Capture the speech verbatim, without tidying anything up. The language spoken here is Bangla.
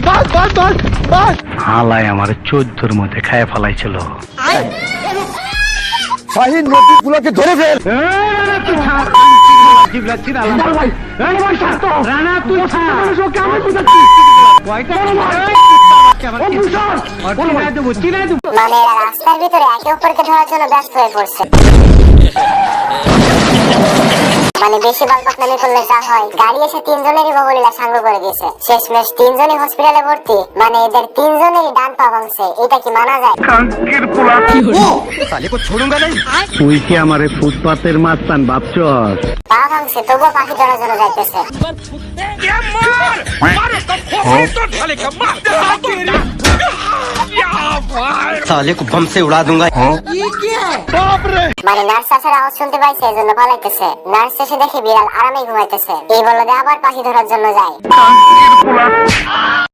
বাস বাস বাস বাস হালাই আমার চোদ্দোর মধ্যে খায় ফেলাইছিল। শাহিন নদীর গুলোকে ধরে ফেল। মানে এরা রাস্তার ভিতরে একে অপরকে ধরার জন্য ব্যস্ত হয়ে পড়ছে। মানে বেশি বালপাকনামি করলে যা হয়, গাড়ি এসে তিনজনেরই বগলিলা সাঙ্গ করে দিয়েছে। শেষমেশ তিনজনই হসপিটালে ভর্তি। মানে এদের তিনজনেরই ডান পা ভাঙছে। এটা কি মানা যায়? তুই কি আমারে ফুটপাতের মাস্তান ভাবছস? পা ভাঙছে তবুও পাখি ধরার জন্য যাইতেছে। साले को बम से उड़ा दूंगा। মানে নার্স আসার আওয়াজ শুনতে পাইছে, এই জন্য পালাইতেছে। নার্স এসে দেখে বিড়াল আরামে ঘুমাইতেছে। এই বলদে আবার পাখি ধরার জন্য যায়।